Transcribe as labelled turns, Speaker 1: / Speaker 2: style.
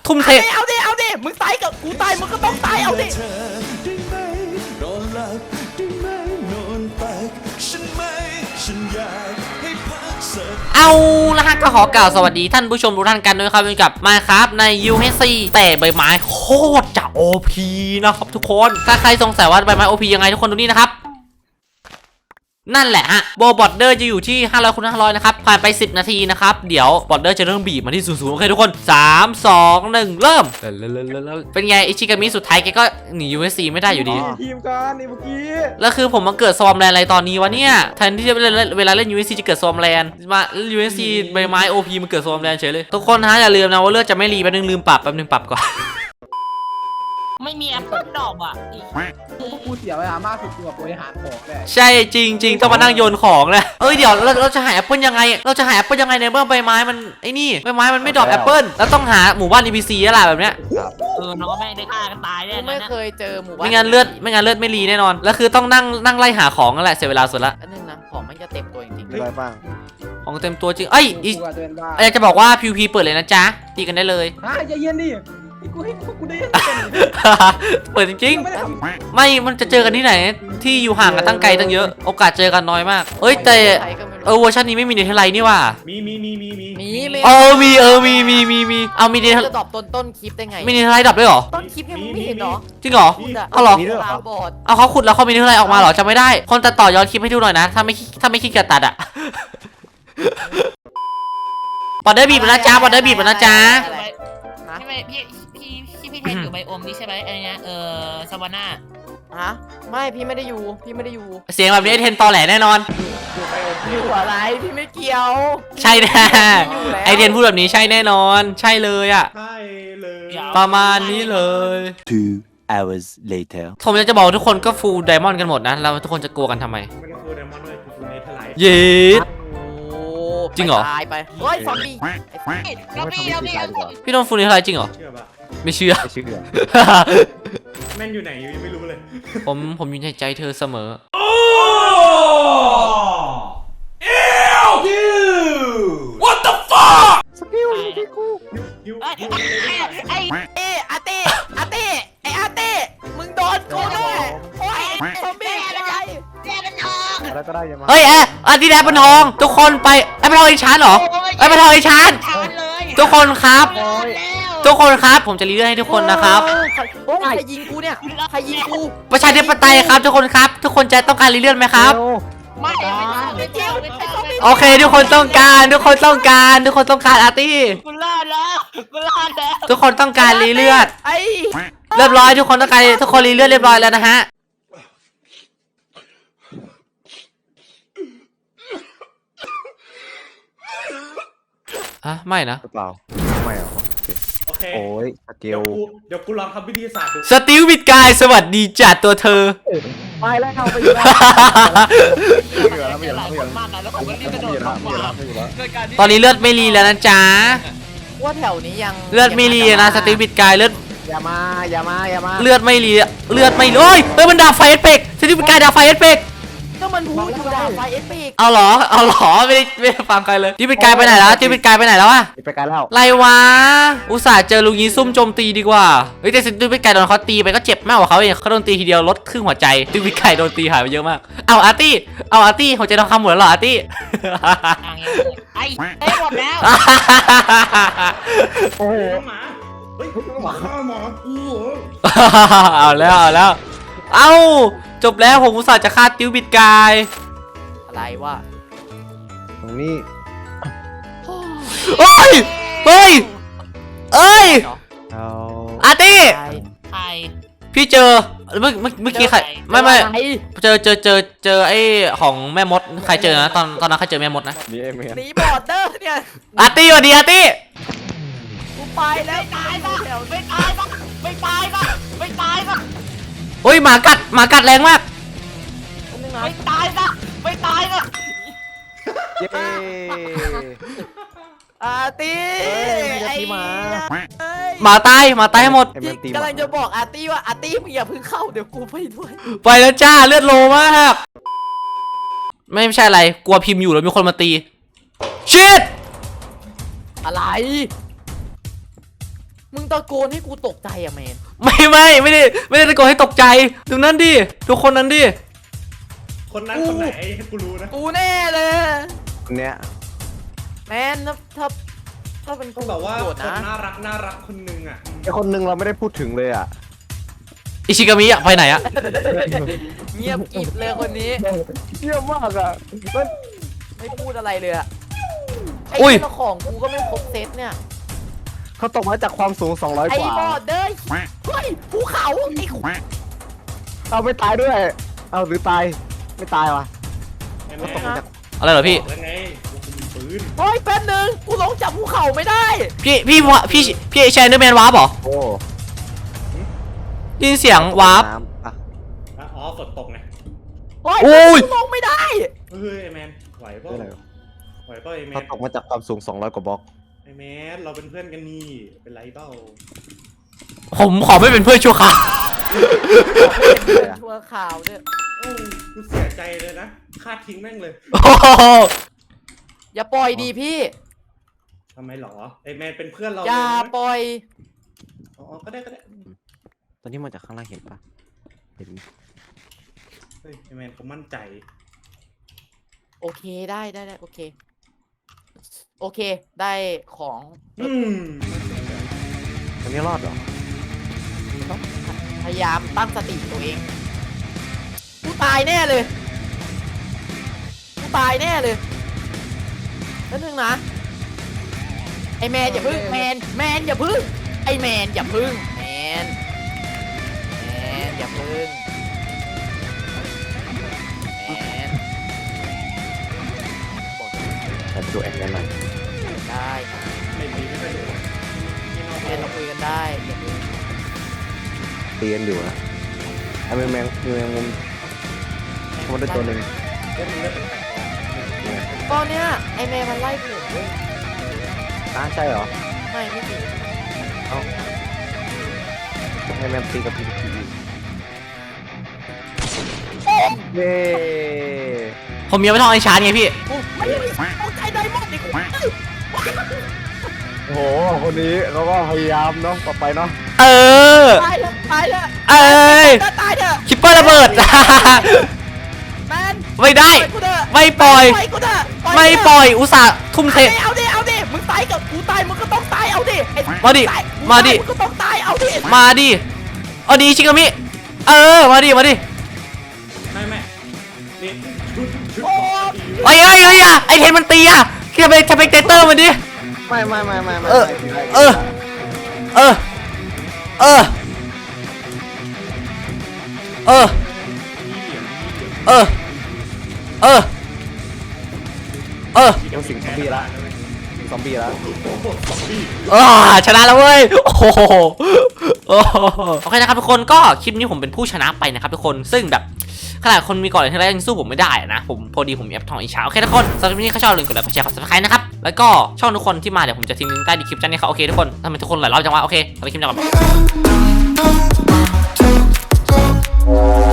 Speaker 1: ทุ่มเท
Speaker 2: เอาดิมึงตายกับกูตายมึงก็ต้องตายเอาดิ
Speaker 1: เอาละฮะก็ขอกล่าวสวัสดีท่านผู้ชมทุกท่านกันด้วยครับอยู่กับMinecraftใน UHC แต่ใบไม้โคตรจะ OP นะครับทุกคนถ้าใครสงสัยว่าใบไม้ OP ยังไงทุกคนดูนี่นะครับนั่นแหละฮะโบบอดเดอร์จะอยู่ที่500 คูณ 500นะครับผ่านไป10 นาทีนะครับเดี๋ยวบอดเดอร์จะเริ่มบีบมาที่00โอเคทุกคน3 2 1เริ่มเป็นไงอิชิกามิสุดท้ายแกก็หนี UHC ไม่ได้อยู่ดี
Speaker 2: ทีมกันนี่เมื่อกี้
Speaker 1: แล้วคือผมมาเกิดซอมแลนอะไรตอนนี้วะเนี่ยแทนที่จะเวลาเล่น UHC จะเกิดซอมแลนมา UHC ใบไม้ OP มันเกิดซอมแลนเฉยเลยทุกคนฮะอย่าลืมนะว่าเลือดจะไม่รีแป๊บนึงลืมปรับก่อน
Speaker 3: ไม่มีแอปเปิลดอกอ่ะ
Speaker 2: พวกกูเสียเวลามากสุดกับบริหารของเลย
Speaker 1: ใช่จริงต้องมานั่งโยนของเลยเดี๋ยวเราจะหาแอปเปิลยังไงในเมื่อใบไม้มันไอ้นี่ใบไม้มันไม่ดรอปแอปเปิลแล้วต้องหาหมู่บ้าน NPC อะไรแบบเนี้ย
Speaker 3: น้องแม่งได้ฆ่ากันตายเนี่ย
Speaker 2: ไม่เคยเจอหมู่บ้าน
Speaker 1: ไม่งั้นเลือดไม่รีแน่นอนแล้วคือต้องนั่งไล่หาของนั่นแหละเสียเวลาสุดละ
Speaker 2: อันนึงนะของมันจะเต็มตัวจริงๆ
Speaker 4: อะไรบ้าง
Speaker 1: ของเต็มตัวจริงอยากจะบอกว่า PVP เปิดเลยนะจ๊ะตีกันได้เลย
Speaker 2: ใจเย็นดิกูได้
Speaker 1: เปิดจริงๆไม่มันจะเจอกันที่ไหนที่อยู่ห่างกันตั้งไกลตั้งเยอะโอกาสเจอกันน้อยมากแต่เวอร์ชันนี้ไม่มีเนเธอร์ไลท์นี่ว่ะ
Speaker 2: มี
Speaker 1: มี
Speaker 2: มี
Speaker 1: เนเธอร์
Speaker 2: จะตอบต้นคลิปได้ไง
Speaker 1: มีเนเธอร์ไลท์ดับด้วยหรอ
Speaker 2: ต้นคลิปยังไม่เห็นหรอ
Speaker 1: จริงเหรอเอาหรอเอาเขาขุดแล้วเขามีเนเธอร์ไลท์ออกมาหรอจำไม่ได้คนตัดต่อย้อนคลิปให้ดูหน่อยนะถ้าไม่คิดจะตัดอ่ะบอดเดอร์บีบนะจ๊ะ
Speaker 3: ใช่ไหมพี่เทนอยู่ไบโอมนี่ใช่ไหมอะไรเงี้ยซาวาน่า
Speaker 2: ไม่พี่ไม่ได้อยู่
Speaker 1: เสียงแบบนี้เทนตอแหลแน่นอน
Speaker 2: อยู่อะไรพี่ไม่เกี่ยว
Speaker 1: ใช่แน่ไอเทนพูดแบบนี้ใช่แน่นอนใช่เลยอ่ะ
Speaker 2: ใช่เลย
Speaker 1: ประมาณนี้เลย
Speaker 4: 2 hours later
Speaker 1: ผมอยากจะบอกทุกคนก็ฟูลไดมอนด์กันหมดนะแล้วทุกคนจะกลัวกันทำไม
Speaker 2: ไม่ได้ฟูลไดมอนด์ด้วยฟูลเนเธอร์ไลท์
Speaker 1: เย็ดจริงเหรอ
Speaker 2: ตายไปเฮ้ยซอมบี้
Speaker 1: พี่โดนฟูลเนเธอร์ไลท์จริงเหรอไม่เชื่อ
Speaker 2: แม่นอยู่ไหนยังไม่รู้เลย
Speaker 1: ผมอยู่ในใจเธอเสมอWhat the fuck
Speaker 2: สกิลที่กูอาเต้มึงโดนกูแน่โอ้ยซอมบี้อะไร
Speaker 4: อะไรก็ได้ยังมา
Speaker 1: อันที่แอปเปิลทองทุกคนไปแอปเปิลทองอีชานเหรอแอปเปิลทองอีชานทุกคนครับผมจะรีเลือกให้ทุกคนนะครับ
Speaker 2: ใครยิงกูเนี่ยใครยิงกู
Speaker 1: ประชาธิปไตยครับทุกคนครับทุกคนจะต้องการรีเลือกไหมครับ
Speaker 3: ไม่
Speaker 1: โอเคทุกคนต้องการอาร์ตี้
Speaker 3: กูรอดแล้ว
Speaker 1: ทุกคนต้องการรีเลือดเรียบร้อยทุกคนรีเลือดเรียบร้อยแล้วนะฮะไม่นะ
Speaker 4: เปล่าไม่หรอโอเคโอ้ยสเกล
Speaker 2: เดี๋ยวกูลองทำวิทยาศาสตร์ดู
Speaker 1: สติลบิดกายสวัสดีจัดตัวเธอ
Speaker 2: ไปแล้วเข้าไป
Speaker 1: ตอนนี้เลือดไม่รีแล้วนะจ๊ะ
Speaker 2: ว่าแถวนี้ยัง
Speaker 1: เลือดไม่รีนะสติลบิดกายเลือด
Speaker 2: อย่ามา
Speaker 1: เลือดไม่รีมันดาบไฟเอฟเฟกต์สติลบิดกายดาบไฟเอฟเฟกต์
Speaker 2: ก็มันพูดอยู่ดาบไฟเอฟเฟกต์
Speaker 1: เอาหรอไม่ได้ฟังใครเลยที่บิดกายไปไหนแล้วอะ
Speaker 4: ไปไกลแล้ว
Speaker 1: ไรวะอุตส่าห์เจอลุงยีซุ่มโจมตีดีกว่าแต่สติลบิดกายโดนเขาตีไปก็เจ็บมากกว่าเขาเองเขาโดนตีทีเดียวลดครึ่งหัวใจสติลบิดกายโดนตีหายไปเยอะมากเอาอาร์ตี้หัวใจทองคำหมดแล้วเหรออาร์ตี้
Speaker 3: ไอ้หมดแล้ว
Speaker 2: โอ้โหหมา
Speaker 1: ฆ่าหมากูเอาแล้วจบแล้วผมอุตส่าห์จะฆ่าติวบิดกาย
Speaker 2: อะไรวะ
Speaker 4: ตรงนี้
Speaker 1: เฮ้ยอาร์ตี้พี่เจอเมื่อกี้ใครไม่เจอไอ้ของแม่มดใครเจอนะตอนนั้นใครเจอแม่มดนะ
Speaker 2: หนีบอร์เดอร์เนี่ย
Speaker 1: อาร์ตี้สวัสดีอาร์ตี้
Speaker 2: กูไปแล้ว
Speaker 3: ไม่ตายปะ
Speaker 1: โอ้ยหมากัดแรงมาก
Speaker 3: ไม่ตายปะ
Speaker 4: เย้
Speaker 2: อาร์ตี้
Speaker 4: ไอ้
Speaker 1: หมาตายให้หมด
Speaker 2: กำลังจะบอกอาร์ตี้ว่าอาร์ตี้มึงอย่าเพิ่งเข้าเดี๋ยวกูไปด้วย
Speaker 1: ไปแล้วจ้าเลือดโลมากไม่ใช่อะไรกลัวพิมพ์อยู่แล้วมีคนมาตีชิด
Speaker 2: อะไรมึงตะโกนให้กูตกใจอะแมน
Speaker 1: ไม่ได้ตะโกนให้ตกใจดูนั่นดิทุกคนนั้นดิ
Speaker 5: คนนั้นคนไหนให้กูรู้นะ
Speaker 2: กูแน่เลย
Speaker 4: คนเนี้ย
Speaker 2: แมนถ้าเป็น
Speaker 5: ต้องแบบว่า
Speaker 2: โกรธ
Speaker 5: คน
Speaker 2: นะ
Speaker 5: น่ารักคนนึงอ่ะ
Speaker 4: ไอคนนึงเราไม่ได้พูดถึงเลยอ่ะ
Speaker 1: อิชิกามิอะไปไหนอะ
Speaker 2: เงียบกริบเลยคนนี้
Speaker 4: เยี่ยมมากอ่ะมัน
Speaker 2: ไม่พูดอะไรเลยอะไอ้
Speaker 1: อุ้ย
Speaker 2: เจ้าของกูก็ไม่ครบเซตเนี่ย
Speaker 4: เขาตกมาจากความสูง200
Speaker 2: ไอ้
Speaker 4: กว่า
Speaker 2: บอดเด้ยเฮ้ยภูเขาไอ้
Speaker 4: เอาไม่ตายด้วย เอาหรือตายไม่ตายวะ
Speaker 5: เห็นไหม
Speaker 4: เขาตกมาจาก
Speaker 1: อะไรเหรอพี่
Speaker 5: บอกแล้วไงว่ากูมีปืน
Speaker 2: เฮ้ยแป๊บนึงกูลงจากภูเขาไม่ได้
Speaker 1: พี่แชนเดอร์แมนวาร์ปเหรอ
Speaker 4: โอ้
Speaker 1: ได้ยินเสียงวาร์ป
Speaker 4: น้ำอ่ะ
Speaker 5: อ่ะอ๋อฝนตกไง
Speaker 2: เฮ้ย
Speaker 1: โอ้ย
Speaker 2: กูลงไม่ได้
Speaker 5: เฮ้ยไอแมนไหวเปล่า
Speaker 4: ไม่อะไรวะ
Speaker 5: ไหวเปล่าไอแม
Speaker 4: เขา
Speaker 5: น
Speaker 4: ตกมาจากความสูง200กว่าบล็อก
Speaker 5: ไอแมนเราเป็นเพื่อนกันนี่เป็นไรเปล่า
Speaker 1: ผมขอไม่เป็นเพื่อนชั่วคราว
Speaker 2: ชั่วข่าวเนี่ย
Speaker 5: โอ้กูเสียใจเลยนะคาดทิ้งแม่งเลย
Speaker 1: โอ้โห
Speaker 2: อย่าปล่อยดีพี่
Speaker 5: ทำไมหรอไอแมนเป็นเพื่อนเรา
Speaker 2: อย่า
Speaker 5: เลยนะ
Speaker 2: ปล่อย
Speaker 5: อ๋อก็ได้
Speaker 4: ตอนนี้มาจากข้างล่างเห็นปะเห็น
Speaker 5: เฮ้ยไอแมนเขามั่นใจ
Speaker 2: โอเคได้โอเค โอเคได้ของ
Speaker 5: อืม
Speaker 4: ตอนนี้รอดเหรอ
Speaker 2: พยายามตั้งสติตัวเองกูตายแน่เลยนั่นนึงนะไอแมนอย่าพึ่งแมนอย่าพึ่งไอแมนอย่าพึ่งแมนอย่าพึ่งแมน
Speaker 4: แต่ไปดูแอนกันหน่อย
Speaker 2: ได้
Speaker 5: ไม่ดีไม่ค่อยดูนี่นอก
Speaker 2: แมนเราคุยกันได้อย่าพึ่ง
Speaker 4: ตีกันอยู่นะไอ้แมงมุมมันได้ตัวหนึ่ง
Speaker 5: เล่นมันเล่นแปลก
Speaker 2: ตอนเนี้ยไอแมนมันไล่ผมเว้ย
Speaker 4: ใช่เหรอ
Speaker 2: ไม่จริง
Speaker 4: ไอ้แมงตีกับพีพีเย้
Speaker 1: ผมยังไม่ต้องไอชาร์จไงพี่
Speaker 2: กูไม่ได้เอาใจไดมอนด์ดิกู
Speaker 4: โอ้โหคนนี้เขาก็พยายามเนาะต่อไปเนาะ
Speaker 1: เออ
Speaker 2: ตายเถอะ
Speaker 1: เอ้ย
Speaker 2: ตายเถอะ
Speaker 1: คิปเปอร์ระเบิด
Speaker 2: แมน
Speaker 1: ไม่ได้
Speaker 2: กูเถอะ
Speaker 1: ไม่ปล่อย
Speaker 2: กูเถอะ
Speaker 1: ไม่ปล่อยอุตส่าห์ทุ่มเท
Speaker 2: เอาดิมึงตายกับกูตายมึงก็ต้องตายเอาดิไอ้
Speaker 1: มาดิ
Speaker 2: ตย
Speaker 1: มาดิ
Speaker 2: มึงก็ต้องตายเอาดิ
Speaker 1: มาดิเอาดีชิกามิเออมาดิ
Speaker 5: ไม่นี่ชุด
Speaker 2: โอ้
Speaker 1: ไอ้อะไอเทนมันตีอะคิดจะไปสเปกเตเตอร์มันดิ
Speaker 4: ไม่
Speaker 1: เออ เออ เออ เออ เออ เออ เออ เออ
Speaker 4: ยังสิงซอมบี้ละซอมบี้ละ
Speaker 1: ชนะแล้วเว้ย โอ้โหโอ้โหโอเคนะครับทุกคนก็คลิปนี้ผมเป็นผู้ชนะไปนะครับทุกคนซึ่งแบบขนาดคนมีก่อนเลยที่แรกยังสู้ผมไม่ได้นะผมพอดีผมแอบทองอีกเช้าโอเคทุกคนสำหรับคลิปนี้ถ้าชอบอย่าลืมกดไลค์กดแชร์กด subscribe นะครับแล้วก็ช่องทุกคนที่มาเดี๋ยวผมจะทิ้งลิงก์ใต้ดีคลิปจันนี่เขาโอเคทุกคนทำไมทุกคนหลายรอบจังวะโอเคสำหรับคลิปนี้ก่อน